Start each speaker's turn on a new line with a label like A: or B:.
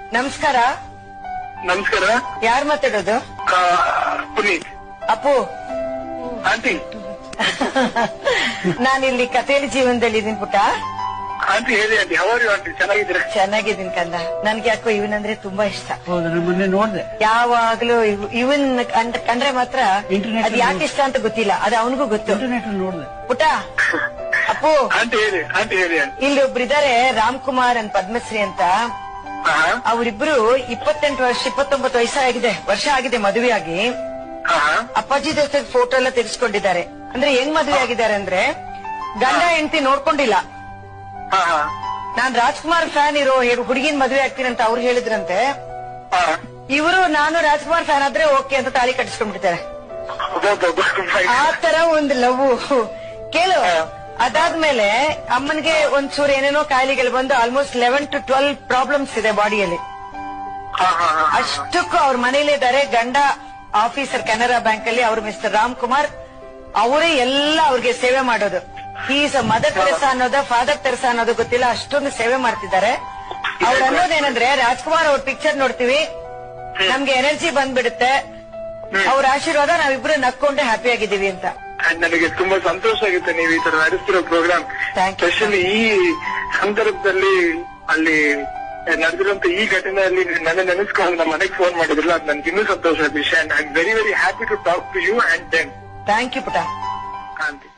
A: ನಮಸ್ಕಾರ.
B: ನಮಸ್ಕಾರ.
A: ಯಾರು ಮಾತಾಡೋದು?
B: ಪುನೀತ್.
A: ಅಪ್ಪು
B: ಆಂಟಿ.
A: ನಾನಿಲ್ಲಿ ಕಥೆಯಲ್ಲಿ ಜೀವನದಲ್ಲಿ ಇದೀನಿ ಪುಟ್ಟ.
B: ಆಂಟಿ ಹೇಳಿ ಆಂಟಿ. ಹೌದು ಆಂಟಿ, ಚೆನ್ನಾಗಿದ್ದೀರಾ?
A: ಚೆನ್ನಾಗಿದ್ದೀನಿ ಕಂದ. ನನ್ಗೆ ಯಾಕೋ ಇವನಂದ್ರೆ ತುಂಬಾ ಇಷ್ಟ.
C: ಹೌದು, ಮೊನ್ನೆ ನೋಡ್ದೆ.
A: ಯಾವಾಗ್ಲೂ ಇವನ್ ಕಂಡ್ರೆ ಮಾತ್ರ ಅದ್ ಯಾಕೆ ಇಷ್ಟ ಅಂತ ಗೊತ್ತಿಲ್ಲ, ಅದು ಅವನಿಗೂ ಗೊತ್ತು.
C: ಇಂಟರ್ನೆಟ್ ನೋಡ್ದೆ
A: ಪುಟ್ಟ. ಅಪ್ಪು
B: ಆಂಟಿ ಹೇಳಿ. ಆಂಟಿ ಹೇಳಿ ಆಂಟಿ.
A: ಇಲ್ಲಿ ಒಬ್ರಿದ್ದಾರೆ, ರಾಮ್ ಕುಮಾರ್ ಅಂತ, ಪದ್ಮಶ್ರೀ ಅಂತ. ಅವರಿಬ್ರು 28 ವರ್ಷ 29 ವರ್ಷ ಆಗಿದೆ ಮದುವೆ ಆಗಿ. ಅಪ್ಪಾಜಿ ಜೊತೆ ಫೋಟೋ ಎಲ್ಲ ತೆಗೆಸ್ಕೊಂಡಿದ್ದಾರೆ. ಅಂದ್ರೆ ಹೆಂಗ್ ಮದುವೆ ಆಗಿದ್ದಾರೆ ಅಂದ್ರೆ ಗಂಡ ಹೆಂಡತಿ ನೋಡ್ಕೊಂಡಿಲ್ಲ. ನಾನ್ ರಾಜ್ಕುಮಾರ್ ಫ್ಯಾನ್ ಇರೋ ಹುಡುಗಿನ ಮದುವೆ ಆಗ್ತೀನಿ ಅಂತ ಅವ್ರು ಹೇಳಿದ್ರಂತೆ. ಇವರು ನಾನು ರಾಜ್ಕುಮಾರ್ ಫ್ಯಾನ್ ಆದ್ರೆ ಓಕೆ ಅಂತ ತಾಳಿ ಕಟ್ಟಿಸ್ಕೊಂಡ್ಬಿಡ್ತಾರೆ. ಆ ತರ ಒಂದು ಲವ್ ಕೇಳು. ಅದಾದ್ಮೇಲೆ ಅಮ್ಮನ್ಗೆ ಒಂಚೂರು ಏನೇನೋ ಕಾಯಿಲೆಗಳು ಬಂದು ಆಲ್ಮೋಸ್ಟ್ 11 to 12 ಪ್ರಾಬ್ಲಮ್ಸ್ ಇದೆ ಬಾಡಿಯಲ್ಲಿ. ಅಷ್ಟಕ್ಕೂ ಅವ್ರ ಮನೇಲಿ ಇದ್ದಾರೆ. ಗಂಡ ಆಫೀಸರ್ ಕೆನರಾ ಬ್ಯಾಂಕ್ ಅಲ್ಲಿ, ಅವ್ರು ಮಿಸ್ಟರ್ ರಾಮ್ ಕುಮಾರ್. ಅವರೇ ಎಲ್ಲ ಅವ್ರಿಗೆ ಸೇವೆ ಮಾಡೋದು. ಈಸ್ ಮದರ್ ತೆರೆಸಾ ಅನ್ನೋದ ಫಾದರ್ ತೆರೆಸಾ ಅನ್ನೋದು ಗೊತ್ತಿಲ್ಲ, ಅಷ್ಟೊಂದು ಸೇವೆ ಮಾಡ್ತಿದ್ದಾರೆ. ಅವ್ರು ಅನ್ನೋದೇನಂದ್ರೆ, ರಾಜ್ಕುಮಾರ್ ಅವ್ರ ಪಿಕ್ಚರ್ ನೋಡ್ತೀವಿ, ನಮ್ಗೆ ಎನರ್ಜಿ ಬಂದ್ಬಿಡುತ್ತೆ, ಅವ್ರ ಆಶೀರ್ವಾದ ನಾವಿಬ್ರು ನಕ್ಕೊಂಡೆ ಹ್ಯಾಪಿ ಆಗಿದ್ದೀವಿ ಅಂತ.
B: ನನಗೆ ತುಂಬಾ ಸಂತೋಷ ಆಗುತ್ತೆ ನೀವು ಈ ತರ ನಡೆಸ್ತಿರೋ ಪ್ರೋಗ್ರಾಮ್. ಸ್ಪೆಷಲಿ ಈ ಸಂದರ್ಭದಲ್ಲಿ ಅಲ್ಲಿ ನಡೆದಿರುವಂತ ಈ ಘಟನೆಯಲ್ಲಿ ನನ್ನ ನೆನೆಸ್ಕೊಂಡು ನಮ್ಮ ಮನೆಗೆ ಫೋನ್ ಮಾಡಿದ್ರಲ್ಲ, ಅದು ನನ್ಗೆ ಇನ್ನೂ ಸಂತೋಷ ವಿಷಯ. I am very very happy to talk to you and then.
A: Thank you ಪುಟ.
B: ಆಂಟಿ.